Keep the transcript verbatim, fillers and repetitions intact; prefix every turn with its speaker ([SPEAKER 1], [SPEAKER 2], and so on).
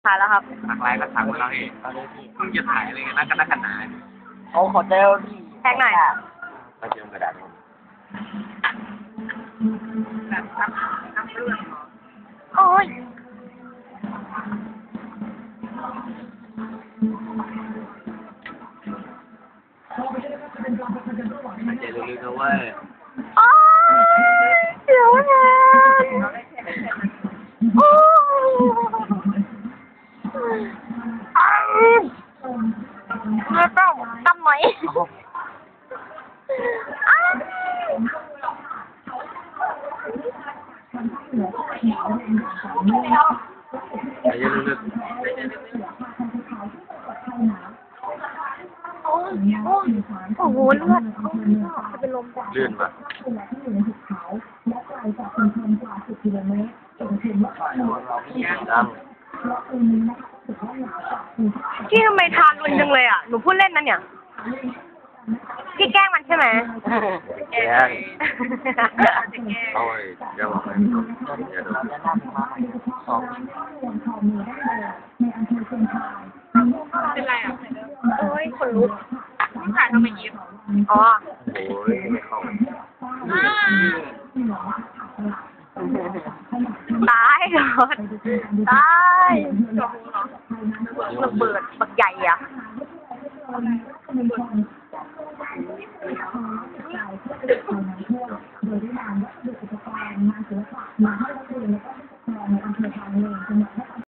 [SPEAKER 1] ถ่ายแล้วครับ
[SPEAKER 2] ถักลายก็ถักมาแล้วนี่เพิ่งจะถ่ายอะไรกันนักกันนักกันหนา
[SPEAKER 3] โอ้ขอเจลดิ
[SPEAKER 1] แท็กหน่อย
[SPEAKER 2] มาเจอกระดาษแบบทำทำเรื่องเหรอ
[SPEAKER 1] โอ้ย
[SPEAKER 2] มาเจลึกๆนะเว้ย
[SPEAKER 1] โอ้ยเดี๋ยวนะโอ้ยอ้าวแล้วต้องทำไหมอ้าว
[SPEAKER 2] มาเจลึก
[SPEAKER 1] โอ้ยโอ้ยโอ้โหเลือดจะเป็นลมจ้ะ
[SPEAKER 2] ๆลื่นปะดัง
[SPEAKER 1] พี่ทำไมทานรุนจังเลยอ่ะ หนูพูดเล่นนะเนี่ย พี่แกล้งมันใช่ไหม
[SPEAKER 2] แกงโอ้ยเดี๋ยวบอกเลยเดี๋ยวดู
[SPEAKER 1] เป็นไรอ่ะโอ้ยคนลุก
[SPEAKER 3] ถ่ายทำไมยิ้ม
[SPEAKER 1] อ๋อ
[SPEAKER 2] โอ้ยไม่เข้า
[SPEAKER 1] ตายเหรอตายระเบิดบักใหญ่อ่ะ